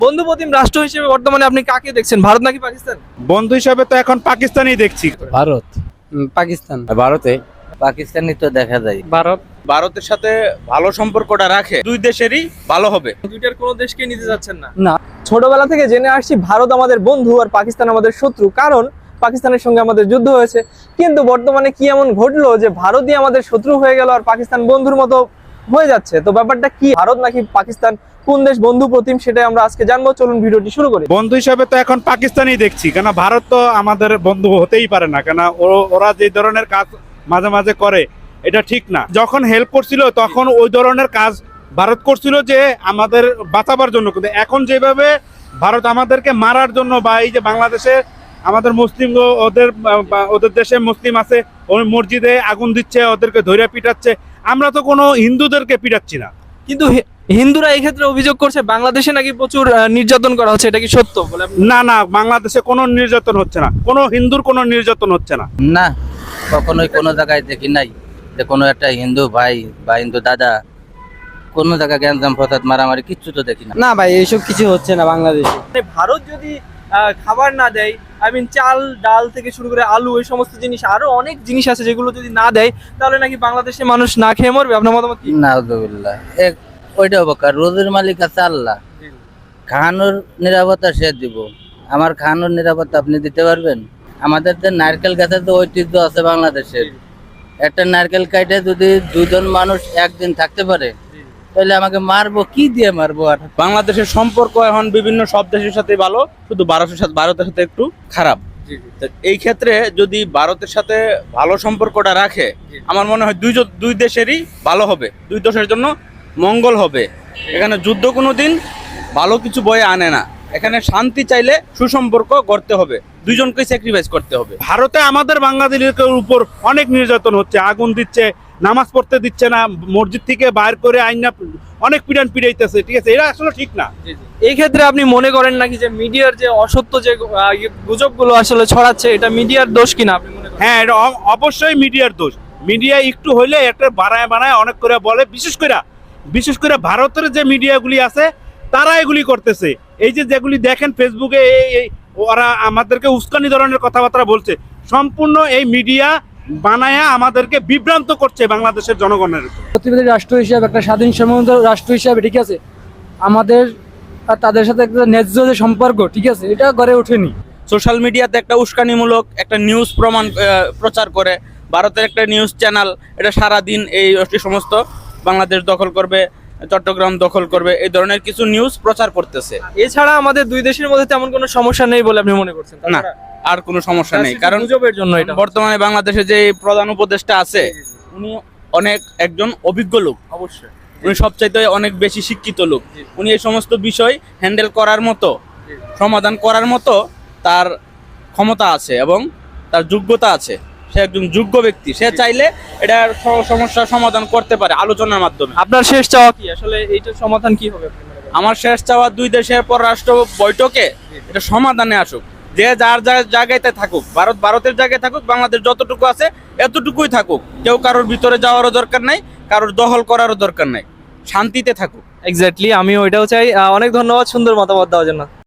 বন্ধু প্রতিম রাষ্ট্র হিসেবে বর্তমানে আপনি কাকে দেখছেন, ভারত নাকি পাকিস্তান? বন্ধু হিসাবে তো এখন পাকিস্তানই দেখছি। ভারত, পাকিস্তান। ভারতে পাকিস্তানি তো দেখা যায়। ভারত ভারতের সাথে ভালো সম্পর্কটা রাখে, দুই দেশেরই ভালো হবে। দুইটার কোনো দেশকে নিতে যাচ্ছেন না? না। ছোটবেলা থেকে জেনে আসছি ভারত আমাদের বন্ধু আর পাকিস্তান আমাদের শত্রু, কারণ পাকিস্তানের সঙ্গে আমাদের যুদ্ধ হয়েছে। কিন্তু বর্তমানে কি এমন ঘটলো যে ভারতই আমাদের শত্রু হয়ে গেল আর পাকিস্তান বন্ধুর মতো হয়ে যাচ্ছে? তো ব্যাপারটা কি, ভারত নাকি পাকিস্তান, কোন দেশ বন্ধু প্রতিম, সেটাই আমরা আজকে জানবো। চলুন ভিডিওটি শুরু করি। বন্ধু হিসাবে তো এখন পাকিস্তানই দেখছি, কেন ভারত তো আমাদের বন্ধু হতেই পারে না, কেন ওরা যে ধরনের কাজ মাঝে মাঝে করে এটা ঠিক না। যখন হেল্প করছিল তখন ওই ধরনের কাজ ভারত করছিল যে আমাদের বাঁচাবার জন্য, কিন্তু এখন যেভাবে ভারত আমাদেরকে মারার জন্য, বা এই যে বাংলাদেশে আমাদের মুসলিম ওদের দেশে মুসলিম আছে, ওই মসজিদে আগুন দিচ্ছে, ওদেরকে ধরে পিটাচ্ছে। আমরা তো কোনো হিন্দুদেরকে পিটাচ্ছি না। কিন্তু হিন্দুরা এই ক্ষেত্রে অভিযোগ করছে বাংলাদেশে নাকি প্রচুর নির্যাতন করা হচ্ছে, এটা কি সত্য বলে? না না, বাংলাদেশে কোনো নির্যাতন হচ্ছে না, কোনো হিন্দুর কোনো নির্যাতন হচ্ছে না। না, কখনোই কোনো জায়গায় দেখি নাই যে কোনো একটা হিন্দু ভাই বা হিন্দু দাদা কোনো জায়গায় গ্যাঞ্জাম ফসাদ মারামারি কিচ্ছু তো দেখি না। না ভাই, এইসব কিছু হচ্ছে না বাংলাদেশে। ভারত যদি খাবার না দেয়, চাল ডাল থেকে শুরু করে আলু, এই সমস্ত জিনিস, আরো অনেক জিনিস আছে যেগুলো যদি না দেয়, তাহলে নাকি বাংলাদেশে মানুষ না খেয়ে মরবে। আপনার মতামত কি? নাউজুবিল্লাহ, ওইটা অবকার, রোজের মালিক আছে আল্লাহ, খাওয়ানোর নিরাপত্তা সে দিব। আমার খাওয়ানোর নিরাপত্তা আপনি দিতে পারবেন? আমাদের যে নারকেল গাছের তো ঐতিহ্য আছে বাংলাদেশের, একটা নারকেল কাটে যদি দুজন মানুষ একদিন থাকতে পারে, তাহলে আমাকে মারবো কি দিয়ে মারবো? আর বাংলাদেশের সম্পর্ক এখন বিভিন্ন সব দেশের সাথে ভালো, শুধু ভারতের সাথে একটু খারাপ। তো এই ক্ষেত্রে যদি ভারতের সাথে ভালো সম্পর্কটা রাখে, আমার মনে হয় দুই দেশেরই ভালো হবে, দুই দেশের জন্য মঙ্গল হবে। এখানে যুদ্ধ কোনোদিন ভালো কিছু বয়ে আনে না। এখানে শান্তি চাইলে সুসম্পর্ক করতে হবে, দুইজনকে স্যাক্রিফাইস করতে হবে। ভারতে আমাদের বাংলাদেশের উপর অনেক নির্যাতন হচ্ছে, আগুন দিচ্ছে, নামাজ পড়তে দিচ্ছে না, মসজিদ থেকে বাইর করে আইনা অনেক পিটাইতেছে। ঠিক আছে, এটা আসলে ঠিক না। এই ক্ষেত্রে আপনি মনে করেন নাকি যে মিডিয়ার যে অসত্য যে গুজবগুলো আসলে ছড়াচ্ছে, এটা মিডিয়ার দোষ কিনা আপনি মনে করেন? হ্যাঁ, এটা অবশ্যই মিডিয়ার দোষ। মিডিয়া একটু হইলে একটা বানায় অনেক করে বলে, বিশেষ করে ভারতের যে মিডিয়াগুলি আছে তারা এগুলি করতেছে। এই যে যেগুলি দেখেন ফেসবুকে, ওরা আমাদেরকে উস্কানি ধরনের কথাবার্তা বলছে, সম্পূর্ণ এই মিডিয়া বানায়া আমাদেরকে বিভ্রান্ত করছে বাংলাদেশের জনগণের। প্রতিবেদী রাষ্ট্র হিসাবে, একটা স্বাধীন সার্বভৌম রাষ্ট্র হিসাবে, ঠিক আছে, আমাদের আর তাদের সাথে একটা ন্যায্য যে সম্পর্ক, ঠিক আছে, এটা গড়ে ওঠেনি। সোশ্যাল মিডিয়াতে একটা উস্কানিমূলক একটা নিউজ প্রচার করে, ভারতের একটা নিউজ চ্যানেল, এটা সারাদিন এই সমস্ত বাংলাদেশ দখল করবে, চট্টগ্রাম দখল করবে, এই ধরনের কিছু নিউজ প্রচার করতেছে। এছাড়া আমাদের দুই দেশের মধ্যে তেমন কোনো সমস্যা নেই বলে আপনি মনে করছেন? না, আর কোনো সমস্যা নেই, কারণ গুজবের জন্য এটা। বর্তমানে বাংলাদেশে যে প্রধান উপদেষ্টা আছে, উনি একজন অভিজ্ঞ লোক, অবশ্যই উনি সবচাইতে অনেক বেশি শিক্ষিত লোক। উনি এই সমস্ত বিষয় হ্যান্ডেল করার মতো, সমাধান করার মতো তার ক্ষমতা আছে এবং তার যোগ্যতা আছে। সে একজন যোগ্য ব্যক্তি, সে চাইলে এটার সমস্যার সমাধান করতে পারে আলোচনার মাধ্যমে। আপনার শেষ চাওয়া কি আসলে, এইটার সমাধান কি হবে? আমার শেষ চাওয়া, দুই দেশের পররাষ্ট্র বৈঠকে এটা সমাধানে আসুক, যে যার জায়গায় থাকুক, ভারতের জায়গায় থাকুক, বাংলাদেশ যতটুকু আছে এতটুকুই থাকুক। কেউ কারোর ভিতরে যাওয়ারও দরকার নাই, কারোর দখল করারও দরকার নাই, শান্তিতে থাকুক। এক্স্যাক্টলি, আমিও এটাও চাই। অনেক ধন্যবাদ সুন্দর মতামত দেওয়ার জন্য।